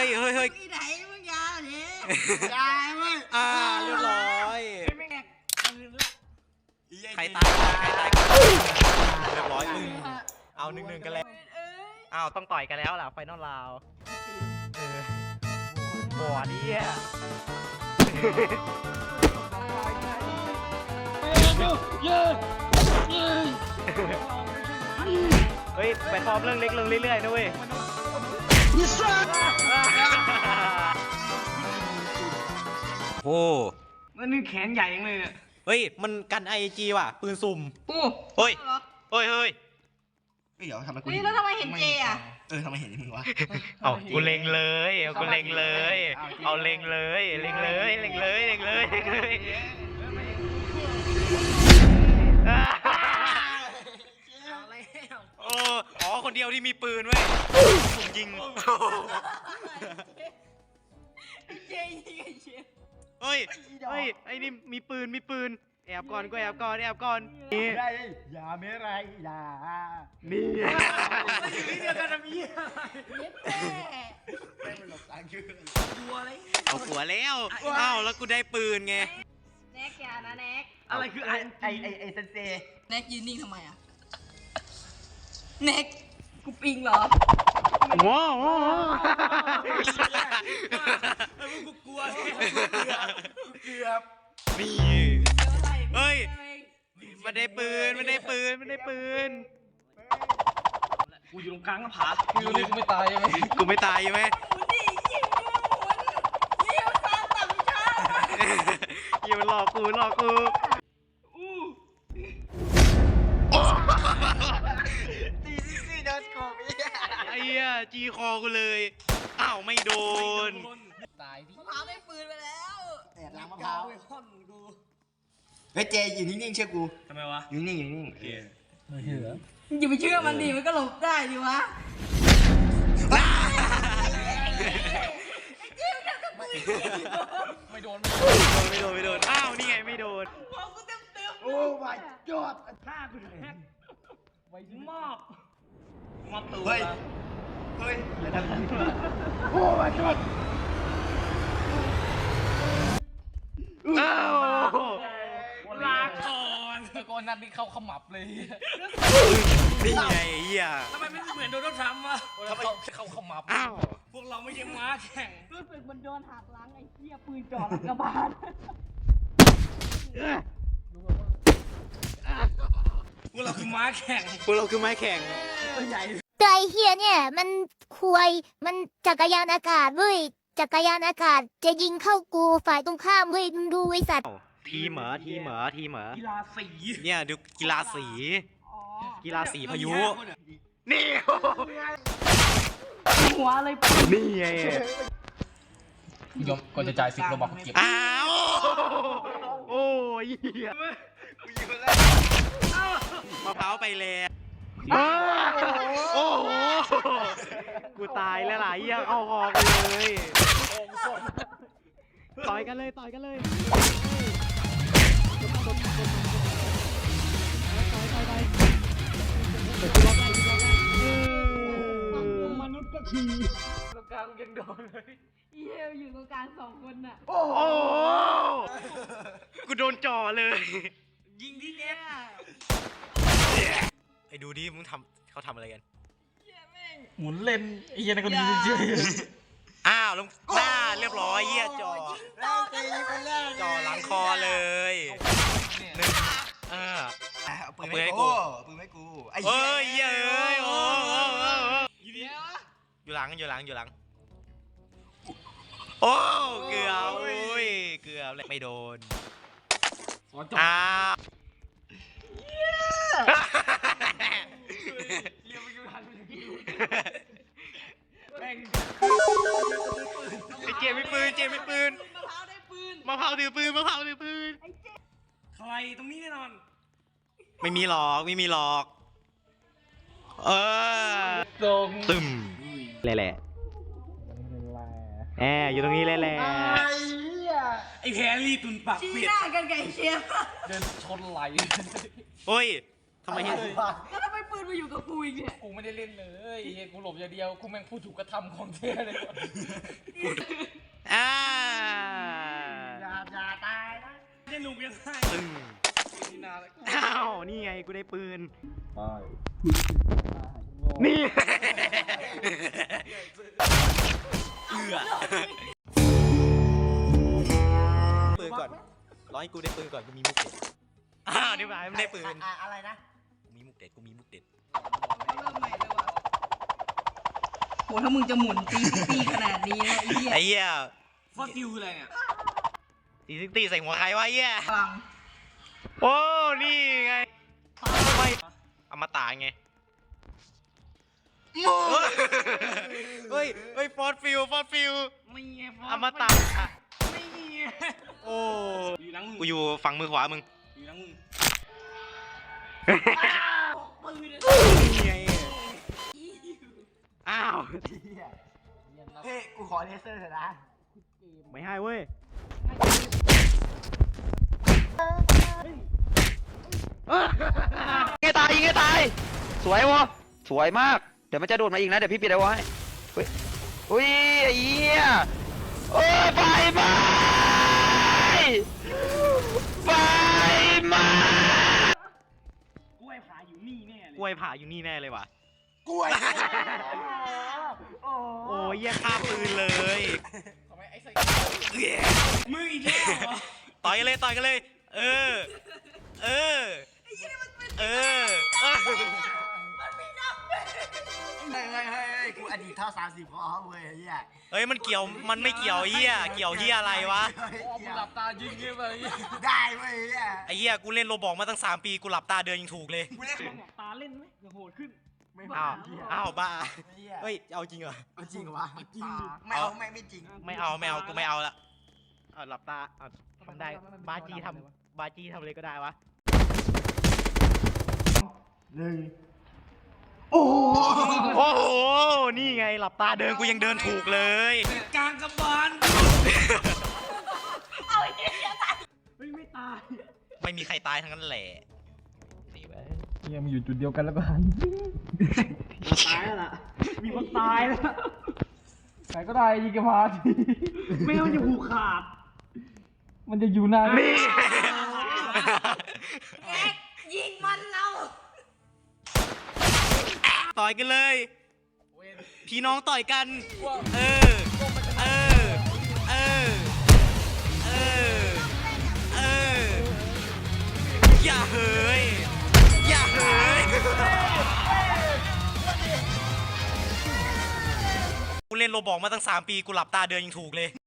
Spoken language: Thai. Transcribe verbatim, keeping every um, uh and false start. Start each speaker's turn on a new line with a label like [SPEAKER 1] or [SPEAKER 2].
[SPEAKER 1] ฮ้ยเฮ้ยเฮ้ย
[SPEAKER 2] ที่ไหนมึงยาเนี่ย
[SPEAKER 3] ยาเว้ย
[SPEAKER 1] อ่าเรียบร้อย
[SPEAKER 2] ไม่แก
[SPEAKER 1] ใครตายใครตายเรียบร้อยมึงเอาหนึ่งหนึ่งกันแล้วอ้าวต้องต่อยกันแล้วล่ะไฟนอลราวบอดเนี่ยเฮ้ยไปฟอร์มเรื่องเล็กเรื่องเรื่อยๆนะเว้ยโอ้
[SPEAKER 2] มันนี่แขนใหญ่ยังเลยเนี่ย
[SPEAKER 1] เฮ้ยมันกันไอจีว่ะปืนสุ่ม
[SPEAKER 2] โอ้
[SPEAKER 1] เฮ้ยเฮ้ยเฮ้ย
[SPEAKER 3] เดี๋ยวทำไมกู
[SPEAKER 2] นี่แล้วทำไมเห็นเจอ่ะ
[SPEAKER 3] เออทำไมเห็นมึงวะ
[SPEAKER 1] เอากูเล็งเลยเอากูเล็งเลยเอาเล็งเลยเล็งเลยเล็งเลยเล็งเลยเล็งเลยโอ้อ๋อคนเดียวที่มีปืนเว้ยผมยิง
[SPEAKER 2] เจยิงไอ้เชฟ
[SPEAKER 1] เฮ้ยเฮ้ยไอ้นี่มีปืนมีปืนแอบก่อนกูแอบก่อนแอบก่อนนี่
[SPEAKER 3] อย่าไม่ไรอย่า
[SPEAKER 1] นี่
[SPEAKER 2] นี่เดียวกันนะมีอะไร
[SPEAKER 3] ไม่เป็นหลบทางคือ
[SPEAKER 2] กัวอะไร
[SPEAKER 1] เอาหัวแล้วอ้าวแล้วกูได้ปืนไง
[SPEAKER 2] แน็กอย่านะแน็ก
[SPEAKER 3] อะไรคือไอไอไอไอเซนเซ
[SPEAKER 2] แน็กยืนนิ่งทำไมอ่ะแน็กกูปิงเหรอ
[SPEAKER 1] ว้าว
[SPEAKER 3] กูกลัวเกือบ
[SPEAKER 1] นี่เฮ้ยมันได้ปืนมันได้ปืนมันได้ปืน
[SPEAKER 3] กูอยู่ตรงกลางหน้าผา
[SPEAKER 4] กูนี่กูไม่ตายใช่ไหม
[SPEAKER 1] กูไม่ตายใช่ไหมอย่ามาหลอกกูหลอกกู
[SPEAKER 3] ตีซี่ซี่โดนกู
[SPEAKER 1] ไอ้เหี้ยจีคอกูเลยอ้าวไม่โดน
[SPEAKER 2] ตายดิมะพร้าวได้ปืนไปแล้ว
[SPEAKER 3] แอบล้างมะพร้าวเฮ้ยเจอยู่นิ่งๆเชื่อกู
[SPEAKER 1] ทำไมวะ
[SPEAKER 3] อยู่นิ่งๆอยู่นิ่งๆ
[SPEAKER 4] ไม่เชื่อ
[SPEAKER 2] อย่าไปเชื่อมันดิมันก็หลบได้ดิวะ
[SPEAKER 4] ไม่โดน
[SPEAKER 1] ไม่โดนไม่โดนอ้าวนี่ไงไม่โดน
[SPEAKER 3] โอ้ my god
[SPEAKER 2] ฆ่ากูแทนไว้มอบ
[SPEAKER 3] มอบตัวเฮ้ยเฮ้ยอย่าทำนี้โอ้ my god
[SPEAKER 1] อ้าว
[SPEAKER 2] ลาก่อน
[SPEAKER 4] ตะโกนนัดนี่เข้าขมับเลย
[SPEAKER 1] นี่ไงเหี้ย
[SPEAKER 2] ทำไมไม่เหมือนโดนทำวะ
[SPEAKER 4] ทำไมเข้าขมับ
[SPEAKER 1] อ้าว
[SPEAKER 2] พวกเราไม่ใช่ม้าแข่งรู้สึกมันโดนหักหลังไอ้เหี้ยปืนจ่อหลังกระบาลพวกเราคือม้าแข่ง
[SPEAKER 1] พวกเราคือไม้แข่ง
[SPEAKER 2] ตัวใหญ่
[SPEAKER 5] ใจเฮียเนี่ยมันควยมันจักรยานอากาศเว้ยจักรยานอากาศจะยิงเข้ากูฝ่ายตรงข้ามเว้ยมึงดูไอ้สัตว์
[SPEAKER 1] ทีเหมอทีเหมอทีเหมอ
[SPEAKER 2] กีฬาสี
[SPEAKER 1] เนี่ยดูกีฬาสีกีฬาสีพายุนี่
[SPEAKER 2] หัวอะไร
[SPEAKER 1] นี่ไง
[SPEAKER 4] ยอมก่อนจะจ่ายสิบโลบักเก็บ
[SPEAKER 1] อ้าวโอ้ยเหี้ย
[SPEAKER 3] กูอยู่แล้ว
[SPEAKER 1] มะพร้าวไปแล้วโอ้โหกูตายแล้วหลายยังเอาคอกันเลยต่อยกันเลยต่อยกันเลย
[SPEAKER 2] มนุษย์ก็ขี่ตรงกลางยังโดนเลยเยี่ยอยู่ตรงกลางสองคนน่ะ
[SPEAKER 1] โอ้โหกูโดนจ่อเลย
[SPEAKER 2] ยิงที่เนี้ย
[SPEAKER 1] ไอ้ดูดิมึงทำเขาทำอะไรกัน
[SPEAKER 4] หมุนเล่นไอ้เหี้ยนั่นก็ดีจริง
[SPEAKER 1] อ้าวลงหน้าเรียบร้อยเหี้ยจ่อจ่อหลังคอเลยหนึ่งเออ
[SPEAKER 3] เอาปืนให้กูปืนให้กูไอ้
[SPEAKER 1] เฮ้ยเฮ้ยโอ้อยู่หลังอยู่หลังอยู่หลังโอ้เกือบโอ้ยเกือบไม่โดนอ้าวเจมมีปืนเจมมีปืนมะพร้าวได้ปืนมะพร้าวถือปืนมะพร้าวถือปืน
[SPEAKER 2] ใครตรงนี้แน่นอน
[SPEAKER 1] ไม่มีหรอกไม่มีหรอกเออ
[SPEAKER 4] ตรง
[SPEAKER 1] ตึมแหละแหละแอบอยู่ตรงนี้แหละแหละ
[SPEAKER 2] ไอ้แพรรี่ตุนปากชี้หน้ากันไก่เชียร์
[SPEAKER 4] เดินชนไหล
[SPEAKER 1] เฮ้ยทำไมเห็น
[SPEAKER 2] แล้วทำไมปืนนมาอยู่กับกูอีกเนี่ย
[SPEAKER 4] กูไม่ได้เล่นเลยเฮียกูหลบอย่างเดียวกูแม่งผู้ถูกกระทำของแท้เลยว่ะ
[SPEAKER 1] อ่า
[SPEAKER 3] อย่าอย่าตายนะจะลุกยังไง
[SPEAKER 1] ตึง
[SPEAKER 4] นี่นาเลย
[SPEAKER 1] อ้าวนี่ไงกูได้ปืน
[SPEAKER 4] ตาย
[SPEAKER 1] นี่เอือปืนก่อนร้อยกูได้ปืนก่อนกูมีมุกเด็ดอ้าวนี่หมายไม่ได้ปืน
[SPEAKER 3] อะอะไรนะ
[SPEAKER 1] กูมีมุกเด็ดกูมีมุกเด็ด
[SPEAKER 2] เริ่มใหม่เลยว่ะโหถ้ามึงจะหมุนตีปีขนาดนี้นะไอ้เหี้ย
[SPEAKER 1] ไอ้เหี้ย
[SPEAKER 4] ฟอสซิลอะไรเนี่ย
[SPEAKER 1] ตีซิกตีใส่หัวใครวะไอ้เหี้ย
[SPEAKER 2] พลัง
[SPEAKER 1] โอ้นี่ไงไม่อมตะไงเฮ้ยเฮ้ยฟอสฟิลฟอสฟิล
[SPEAKER 4] ไม่ไงฟอส
[SPEAKER 1] อมตะ
[SPEAKER 4] ไม่ไง
[SPEAKER 1] โอ้
[SPEAKER 4] อยู่หลังมึง
[SPEAKER 1] กูอยู่ฝั่งมือขวามึง
[SPEAKER 4] อยู่หลังมึง
[SPEAKER 1] นี่ไงอ้าว
[SPEAKER 3] เฮ้ยกูขอเลเซอร์เถอะนะ
[SPEAKER 1] ไม่ให้เว้ยยิงให้ตายยิงให้ตายสวยวะสวยมากเดี๋ยวมันจะโดดมาอีกนะเดี๋ยวพี่ปิดเอาไว้เฮ้ยอุ้ยไอ้เหี้ยโอ้ยไฟไหม้ไฟไหม้
[SPEAKER 4] กล้วยผาอยู่นี่แน่เลย
[SPEAKER 1] กล้วยผ่าอยู่นี่แน่เลยว่ะ
[SPEAKER 3] กล้วย
[SPEAKER 1] โอ้ยเหี้ยฆ่าปืนเลย
[SPEAKER 4] ทำไมไอ้ใส่
[SPEAKER 3] มึงอีกแล้วเหรอ
[SPEAKER 1] ต่อยกันเลยต่อยกันเลย เออ เออ เออ
[SPEAKER 3] เฮ้ยเฮ้ยเฮ้ยเฮ้ยกูอดีตเท่าสามสิบพอเว้ยไอ้เหี้ย
[SPEAKER 1] เฮ้ยมันเกี่ยวมันไม่เกี่ยวเฮียเกี่ยวเฮียอะไรวะ
[SPEAKER 3] เฮ้ย
[SPEAKER 4] พ่อมึ
[SPEAKER 3] เกี่
[SPEAKER 4] ง
[SPEAKER 3] ยว
[SPEAKER 4] หลับตายิงเงี้ยไป
[SPEAKER 3] ได้เว้ยไอ้เหี้ย
[SPEAKER 1] ไอ้เฮียกูเล่นโรบอกมาตั้งสามปีกูหลับตาเดินยังถูกเลย
[SPEAKER 3] กูเล่น
[SPEAKER 4] หลับตาเล่นไหมอย่าโหดขึ้น
[SPEAKER 3] ไม่
[SPEAKER 1] อ้าว
[SPEAKER 3] เหี้ย
[SPEAKER 1] อ้าวบ้า
[SPEAKER 3] ไอ้เหี้ย
[SPEAKER 1] เฮ้ยเอาจริงเหรอ
[SPEAKER 3] เอาจริงเหรอวะจริงไม่เอาไม่ไม่จริง
[SPEAKER 1] ไม่เอาไม่เอากูไม่เอาละเอาหลับตาเอาทำได้บาจีทำบาจีทำเลยก็ได้วะ
[SPEAKER 3] หนึ่ง
[SPEAKER 1] โอ้โหนี่ไงหลับตาเดินกูยังเดินถูกเลย
[SPEAKER 4] กลางกระบาล
[SPEAKER 2] เฮ้ยไม่ตาย
[SPEAKER 1] ไม่มีใครตายทั้งนั้นแหละ
[SPEAKER 4] เฮียมันอยู่จุดเดียวกันแล้วก็หัน
[SPEAKER 2] ตายแล้วล่ะมีคนตายแล้ว
[SPEAKER 4] ใครก็ได้ยิงกระพาที
[SPEAKER 2] ไม่งั้นมันจะผูกขาด
[SPEAKER 4] มันจะอยู่นาน
[SPEAKER 1] นี่
[SPEAKER 2] แอ๊กยิงมันเรา
[SPEAKER 1] ต่อยกันเลย พี่น้องต่อยกัน เออ เออ เออ เออ เออ อย่าเฮ้ย อย่าเฮ้ย กูเล่นโรบอกมาตั้งสามปีกูหลับตาเดินยังถูกเลย